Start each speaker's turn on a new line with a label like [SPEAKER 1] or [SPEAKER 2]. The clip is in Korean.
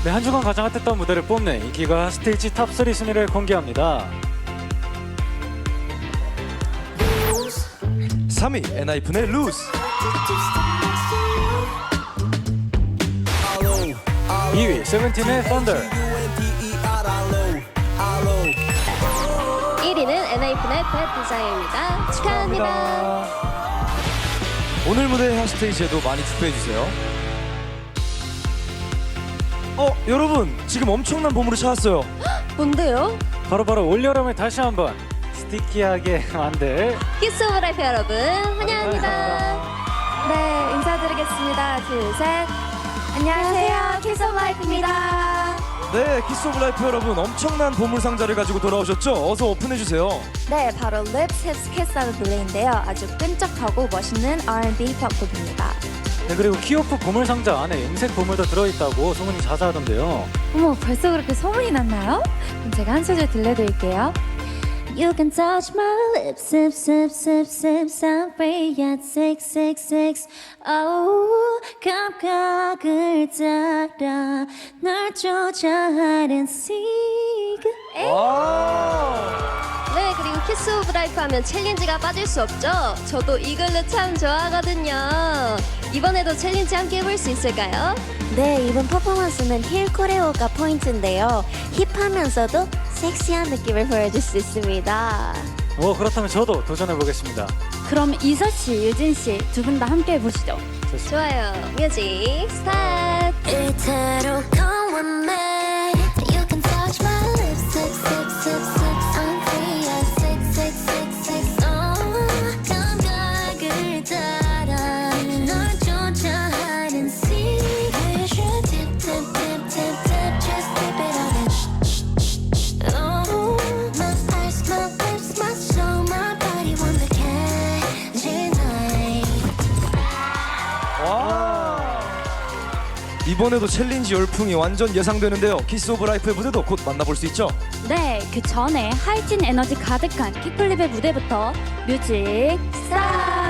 [SPEAKER 1] 네, 한 주간 가장 핫했던 무대를 뽐내 인기가 스테이지 탑3 순위를 공개합니다.
[SPEAKER 2] 3위 엔하이픈의 루스.
[SPEAKER 1] 2위 세븐틴의 Thunder.
[SPEAKER 3] 1위는 엔하이픈의 Bad Desire입니다. 축하합니다.
[SPEAKER 2] 오늘 무대 핫스테이지에도 많이 투표해주세요. 여러분 지금 엄청난 보물을 찾았어요.
[SPEAKER 3] 뭔데요?
[SPEAKER 1] 바로 올여름에 다시 한번 스티키하게 만들
[SPEAKER 3] 키스 오브 라이프 여러분 환영합니다.
[SPEAKER 4] 네, 인사드리겠습니다. 둘, 셋. 안녕하세요. 키스 오브 라이프입니다.
[SPEAKER 2] 네, 키스 오브 라이프 여러분 엄청난 보물 상자를 가지고 돌아오셨죠? 어서 오픈해주세요.
[SPEAKER 4] 네, 바로 Lips, Hips, Kiss 하는 노래인데요. 아주 끈적하고 멋있는 R&B 팝곡입니다.
[SPEAKER 1] 네, 그리고 키오프 보물상자 안에 음색 보물도 들어있다고 소문이 자자하던데요.
[SPEAKER 4] 어머, 벌써 그렇게 소문이 났나요? 그럼 제가 한 소절 들려드릴게요. You can touch my lips, sip, sip, sip, sip, sorry at 666. Oh, 감각을 따라 널 쫓아 hide and seek.
[SPEAKER 3] 네, 그리고 키스 오브 라이프 하면 챌린지가 빠질 수 없죠. 저도 이 글루 참 좋아하거든요. 이번에도 챌린지 함께 해볼 수 있을까요?
[SPEAKER 5] 네, 이번 퍼포먼스는 힐 코레오가 포인트인데요. 힙하면서도 섹시한 느낌을 보여줄 수 있습니다.
[SPEAKER 1] 그렇다면 저도 도전해보겠습니다.
[SPEAKER 4] 그럼 이서 씨, 유진 씨 두 분 다 함께 해보시죠.
[SPEAKER 3] 좋아요. 뮤직 스타트.
[SPEAKER 5] 이대로 come with me. You can touch my lips, sip, sip, sip, sip. I'm free at 6666. 감각을 따라 널 쫓아 hide and seek. You should tip, tip, tip, tip, tip. Just tip it on it. Oh, my eyes, my lips, my soul, my body want the candy night.
[SPEAKER 2] 이번에도 챌린지 열풍이 완전 예상되는데요. 키스 오브 라이프의 무대도 곧 만나볼 수 있죠?
[SPEAKER 4] 네, 그 전에 하이틴 에너지 가득한 키플립의 무대부터 뮤직 스타트!